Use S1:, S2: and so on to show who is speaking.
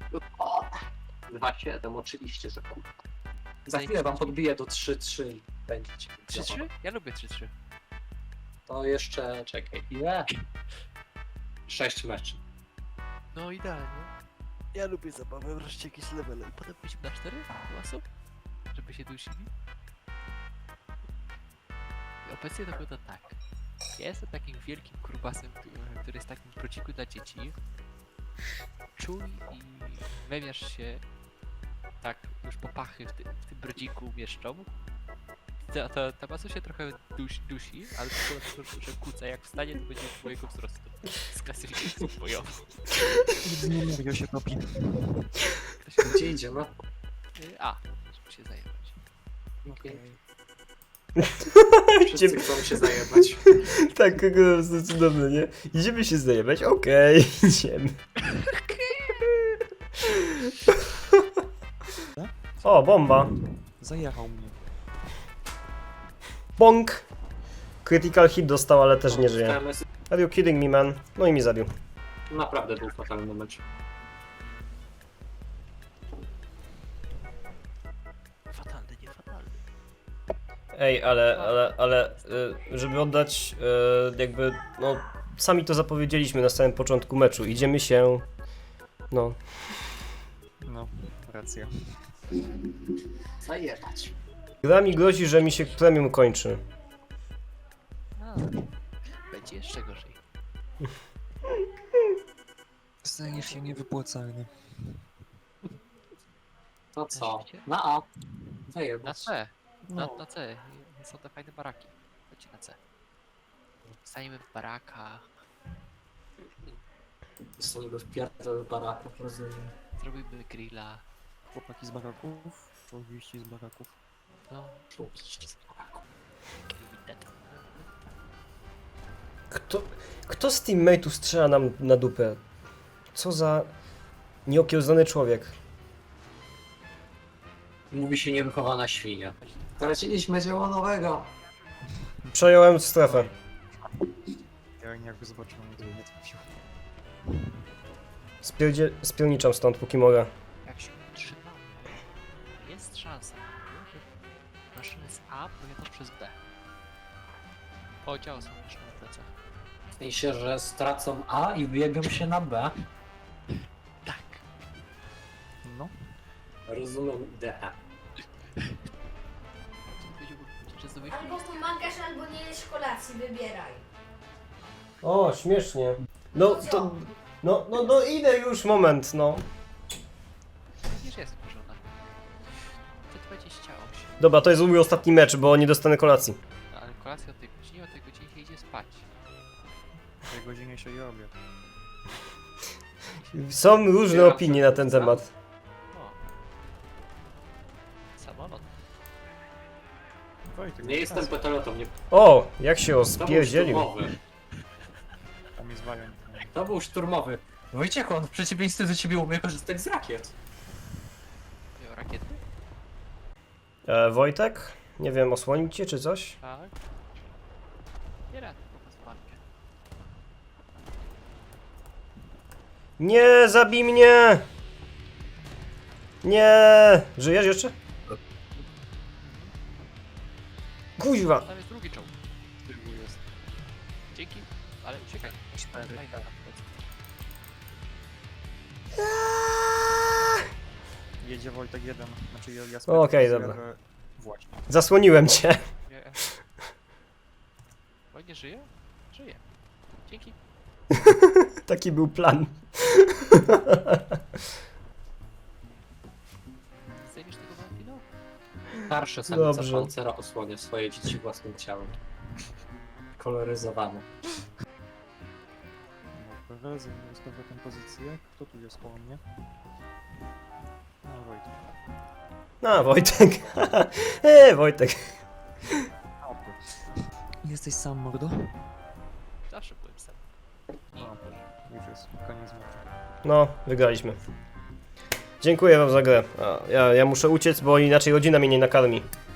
S1: O, 2,7 oczywiście, że kurwa. Za chwilę wam podbiję do 3,3 i będziecie.
S2: 3-3? Ja lubię 3-3.
S1: To jeszcze, czekaj, ile? 6 meczy.
S2: No idealnie. Ja lubię zabawę, wreszcie jakieś levele. Potem byśmy na 4 osób, żeby się dusili. I obecnie to wygląda tak. Ja jestem takim wielkim grubasem, który jest takim prociku dla dzieci. Czuj i wewiasz się tak już po pachy w tym brodziku mieszczą. Ta masa się trochę dusi, ale to że kuca jak wstanie, to będzie twojego wzrostu. Z klasyfikacji bojową.
S3: Nie się topi.
S1: Gdzie idzie, no?
S2: A, żeby się zajebać.
S1: Okej. Wszyscy chcą się zajebać.
S4: Tak, po prostu cudowne, nie? Idziemy się zajebać? Okej, idziemy. O, bomba.
S3: Zajechał mnie.
S4: Bonk. Critical hit dostał, ale też nie żyje.
S1: TMS
S4: Are you kidding me, man? No i mi zabił.
S1: naprawdę był fatalny mecz.
S2: Fatalny, nie fatalny.
S4: Ej, ale żeby oddać jakby, no, sami to zapowiedzieliśmy na samym początku meczu. Idziemy się, no,
S3: No, racja.
S1: Zajebać.
S4: gra mi grozi, że mi się premium kończy.
S2: A, będzie jeszcze gorzej.
S3: Stajesz się niewypłacalny.
S1: To co?
S2: Rzeczywiście?
S1: Na A.
S2: Na
S1: Zajebać.
S2: C.
S3: No.
S2: Na C. Są te fajne baraki. Chodźcie na C. Staniemy w barakach.
S1: Zostaniemy w pierdol barakach, rozumiem.
S2: Zrobimy grilla.
S3: Chłopaki z baraków, człowieki z baraków.
S2: No,
S1: Oczywiście z baraków.
S2: grillnet.
S4: Kto z teammateów strzela nam na dupę? Co za nieokiełznany człowiek.
S1: Mówi się niewychowana świnia. Straciliśmy dzieło nowego.
S4: Przejąłem strefę.
S3: Ja jakby zobaczyłem, gdy nie trafił.
S4: Spierniczam stąd, póki mogę.
S2: Jak się utrzymamy, jest szansa, że maszyny z A pojadą przez B. O, działa są maszyny na plecach.
S1: W sensie, że stracą A i wyjebią się na B.
S2: Tak.
S3: No,
S1: Rozumiem ideę.
S2: Że zdobyć
S5: Albo pomagasz, albo nie jesz kolacji, wybieraj.
S4: O, śmiesznie. No, to... No, idę już, moment, no.
S2: niż jest wkurzona. Te 28.
S4: Dobra, to jest mój ostatni mecz, bo nie dostanę kolacji.
S2: No, ale kolacja o tej godzinie się idzie spać.
S3: w tej godzinie się je obiad.
S4: Są różne opinie na ten temat.
S2: O. Samolot.
S3: Wojtek,
S1: Nie jestem petolotą, nie.
S4: O, jak się
S1: To był
S4: spierdzielił.
S1: szturmowy.
S3: Tam jest wariant.
S1: To był szturmowy. Wojciechu, on w przeciwieństwie do ciebie umie korzystać z rakiet.
S2: Miał rakiety?
S4: Wojtek? Nie wiem, osłonić cię czy coś?
S2: Tak. Nie rad, po pasparkę.
S4: Nie, zabij mnie! Nie! Żyjesz jeszcze? Kuźwa!
S2: Tam jest drugi czołg. Tyłu jest. Dzięki, ale uciekaj. Fajna na plecy.
S3: Jedzie Wojtek 1, znaczy ja
S4: Okej,
S3: sprawdzę,
S4: dobra.
S3: że- Właśnie.
S4: Zasłoniłem cię.
S2: Nie. Fajnie żyje? Żyje. Dzięki.
S4: Taki był plan.
S2: Zdejmiesz tego Valentino?
S1: Starszy samica
S4: Dobrze.
S1: pancera osłania swoje dzieci własnym ciałem. Koloryzowane.
S3: No, Perez, z powrotem pozycję. Kto tu jest koło mnie? No, Wojtek.
S4: A, Wojtek. Wojtek.
S3: Jesteś sam, mordo?
S2: Zawsze byłem sam.
S3: No, już jest koniec meczu.
S4: No, wygraliśmy. Dziękuję wam za grę. Ja muszę uciec, bo inaczej rodzina mnie nie nakarmi.